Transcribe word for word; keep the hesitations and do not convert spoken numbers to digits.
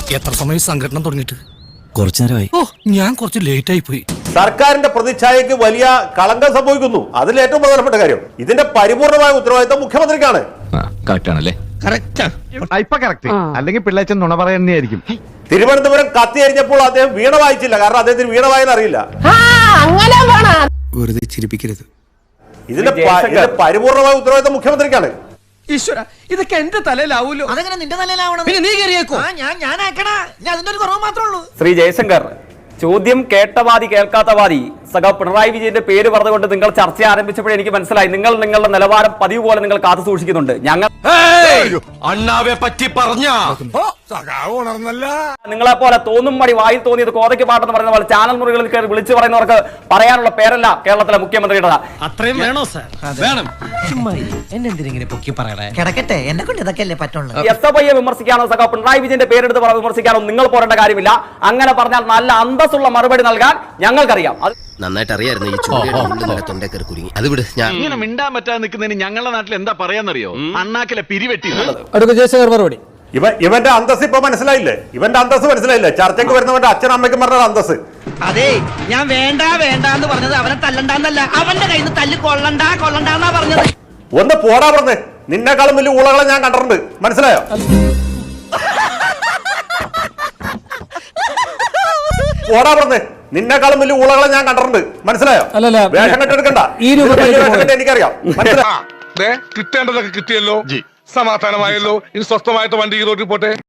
എത്ര സമയം സംഘടന തുടങ്ങിയിട്ട്? കുറച്ചു നേരമായി. ഓ, ഞാൻ കുറച്ച് ലേറ്റ് ആയി പോയി. സർക്കാരിന്റെ പ്രതിച്ഛായക്ക് വലിയ കളങ്കം സംഭവിക്കുന്നു. അതിൽ ഏറ്റവും പ്രധാനപ്പെട്ട കാര്യം ഇതിന്റെ പരിപൂർണമായ ഉത്തരവാദിത്തം മുഖ്യമന്ത്രിക്കാണ്. അല്ലെങ്കിൽ പിള്ളേച്ചൻ നുണ പറയുന്നതായിരിക്കും. തിരുവനന്തപുരം കത്തിയരിഞ്ഞപ്പോൾ അദ്ദേഹം വീണ വായിച്ചില്ല. കാരണം അദ്ദേഹത്തിന് വീണ വായന അറിയില്ല. വെറുതെ ചിരിപ്പിക്കരുത്. ഇതിന്റെ പരിപൂർണമായ ഉത്തരവാദിത്തം മുഖ്യമന്ത്രിക്കാണ്. ഈശ്വര, ഇതൊക്കെ എന്റെ തലയിലാവൂലോ? അതെങ്ങനെ നിന്റെ തലയിലാവണം? പിന്നെ നീ കയറിയേക്കോ? ഞാൻ ഞാൻ ആക്കണ ഞാൻ അതിന്റെ ഒരു കുറവ് മാത്രമേ ഉള്ളൂ. ശ്രീ ജയശങ്കർ, ചോദ്യം കേട്ടവാദി കേൾക്കാത്തവാദി സഖാ പിണറായി വിജയന്റെ പേര് പറഞ്ഞുകൊണ്ട് നിങ്ങൾ ചർച്ച ആരംഭിച്ചപ്പോഴേ എനിക്ക് മനസ്സിലായി നിങ്ങൾ നിങ്ങളുടെ നിലവാരം പതിവ് പോലെ നിങ്ങൾ കാത്തു സൂക്ഷിക്കുന്നുണ്ട്. ഞങ്ങൾ അണ്ണാവെ പറ്റി പറഞ്ഞ നിങ്ങളെ പോലെ തോന്നും മടി വായിൽ തോന്നിയത് കോതയ്ക്ക് പാട്ടെന്ന് പറയുന്ന പോലെ ചാനൽ മുറികളിൽ കയറി വിളിച്ചു പറയുന്നവർക്ക് പറയാനുള്ള പേരല്ല കേരളത്തിലെ മുഖ്യമന്ത്രിയുടെ. അത്രയും വേണോ സാർ? വേണം. എന്നെന്തിനെ പൊക്കി പറയണേ? കിടക്കട്ടെ, എന്നെ കൊണ്ട് ഇതൊക്കെ അല്ലേ പറ്റുള്ളൂ. എസ് എഫ് ഐയെ വിമർശിക്കാനോ സഖാ പിണറായി വിജയന്റെ പേരെടുത്ത് വിമർശിക്കാനോ നിങ്ങൾ പോരേണ്ട കാര്യമില്ല. അങ്ങനെ പറഞ്ഞാൽ നല്ല അന്തസ്സുള്ള മറുപടി നൽകാൻ ഞങ്ങൾക്കറിയാം. നന്നായിട്ട് അറിയായിരുന്നു ഈ ചോദ്യം തൊണ്ടേക്കറി കുരുങ്ങി. അത് വിട്. ഞാൻ ഇങ്ങനെ മിണ്ടാൻ പറ്റാതെ നിൽക്കുന്നതിന് ഞങ്ങളുടെ നാട്ടിൽ എന്താ പറയാന്നറിയോ? അണ്ണാക്കിലെ പിരിവെട്ടി. മറുപടി ഇവ ഇവന്റെ അന്തസ് ഇപ്പൊ മനസ്സിലായില്ലേ? ഇവന്റെ അന്തസ് മനസ്സിലായില്ലേ? ചർച്ചയ്ക്ക് വരുന്നവന്റെ അച്ഛനും അമ്മയ്ക്കും പറഞ്ഞ അന്തസ്. അതെ, ഞാൻ വേണ്ട വേണ്ട എന്ന് പറഞ്ഞത് അവനെ തല്ലണ്ടെന്നല്ല, അവന്റെ കയ്യിൽ നിന്ന് തല്ല് കൊള്ളണ്ട കൊള്ളണ്ടെന്നാ പറഞ്ഞത്. ഒന്ന് പോടാ പറഞ്ഞ്. നിന്നെക്കാളും വലിയ ഊളകളെ ഞാൻ കണ്ടിട്ടുണ്ട്. മനസ്സിലായോ? പോടാ പറഞ്ഞ്. നിന്നെക്കാളും വലിയ ഊളകളെ ഞാൻ കണ്ടിട്ടുണ്ട്. മനസ്സിലായോ? വേഷം കെട്ടെടുക്കണ്ട. എനിക്കറിയാം. മനസ്സിലായോ? കിട്ടേണ്ടതൊക്കെ കിട്ടിയല്ലോ, സമാധാനമായല്ലോ. ഇനി സ്വസ്ഥമായിട്ട് വണ്ടി റോഡിൽ പോട്ടെ.